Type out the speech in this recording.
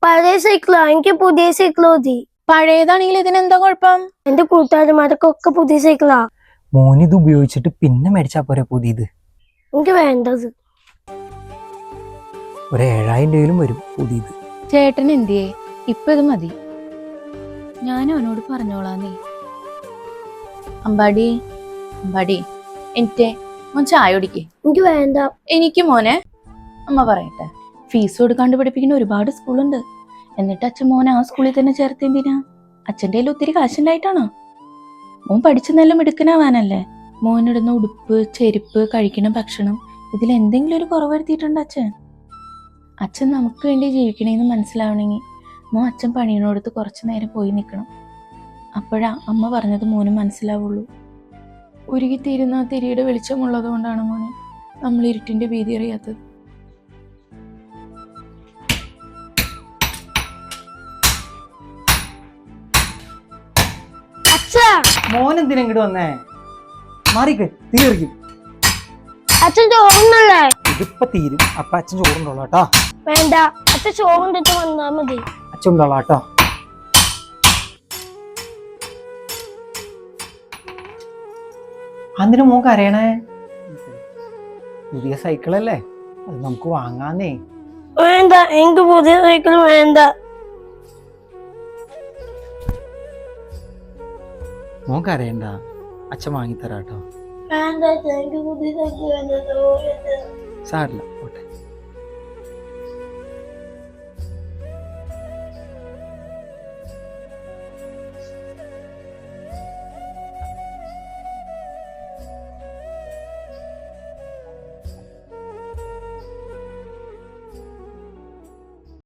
പഴയ സൈക്കിളാ, എനിക്ക് പുതിയ സൈക്കിൾ മതി. പഴയതാണെങ്കിൽ ഇതിനെന്താ കുഴപ്പം? എന്റെ കൂട്ടുകാരന്മാർക്കൊക്കെ പുതിയ സൈക്കിളാ. മോനിത് ഉപയോഗിച്ചിട്ട് പിന്നെ മേടിച്ചാ പോരെ പുതിയത്? എനിക്ക് വേണ്ടത്. ഒരു 7000 രൂപയിലും വരും പുതിയത്. ചേട്ടൻ എന്തിയേ? ഇപ്പൊ ഇത് മതി, ഞാൻ അവനോട് പറഞ്ഞോളാന്നേ. അമ്പാടി അമ്പാടി, എനിക്ക് മോൻ ചായ കുടിക്കേ. എനിക്ക് വേണ്ട. എനിക്ക് മോനെ, അമ്മ പറയട്ടെ, ഫീസ് കൊടുക്കാണ്ട് പഠിപ്പിക്കുന്ന ഒരുപാട് സ്കൂളുണ്ട്. എന്നിട്ട് അച്ഛൻ മോനെ ആ സ്കൂളിൽ തന്നെ ചേർത്തെന്തിനാ? അച്ഛൻ്റെ കയ്യിൽ ഒത്തിരി കാശുണ്ടായിട്ടാണോ? മോൻ പഠിച്ച് നല്ല മിടുക്കനാവാനല്ലേ. മോനിടുന്ന ഉടുപ്പ്, ചെരുപ്പ്, കഴിക്കുന്ന ഭക്ഷണം, ഇതിൽ എന്തെങ്കിലും ഒരു കുറവ് വരുത്തിയിട്ടുണ്ട് അച്ഛൻ? അച്ഛൻ നമുക്ക് വേണ്ടി ജീവിക്കണേന്ന് മനസ്സിലാവണമെങ്കിൽ മോൻ അച്ഛൻ പണിയണോടത്ത് കുറച്ച് നേരം പോയി നിൽക്കണം. അപ്പോഴാ അമ്മ പറഞ്ഞത് മോനും മനസ്സിലാവുള്ളൂ. ഉരുകിത്തീരുന്ന ആ തിരിയുടെ വെളിച്ചമുള്ളത് കൊണ്ടാണ് മോനെ നമ്മൾ ഇരുട്ടിന്റെ ഭീതി അറിയാത്തത്. മോനെന്തിനാ ഇങ്ങോട്ട് വന്നേ? മാറിക്ക്, തീർക്കും. അച്ഛൻ ചോറുന്നല്ലേ? ഇതിപ്പോ തീരും. അപ്പൊ അച്ഛൻ ചോറുണ്ടോളാം കേട്ടോ. വേണ്ട, അച്ഛൻ ചോറുണ്ടിട്ട് വന്നാ മതി. അച്ഛൻ ഉണ്ടോളാം കേട്ടോ. അതിന് മോൻ കരയണേ? പുതിയ സൈക്കിളല്ലേ, അത് നമുക്ക് വാങ്ങാന്നേ. വേണ്ട, എനിക്ക് പുതിയ സൈക്കിൾ വേണ്ട. മോൻ കരയണ്ട, അച്ഛൻ വാങ്ങിത്തരാട്ടോ. വേണ്ട, എനിക്ക് പുതിയ സൈക്കിൾ വേണ്ട. സാരില്ല, ഓട്ടെ.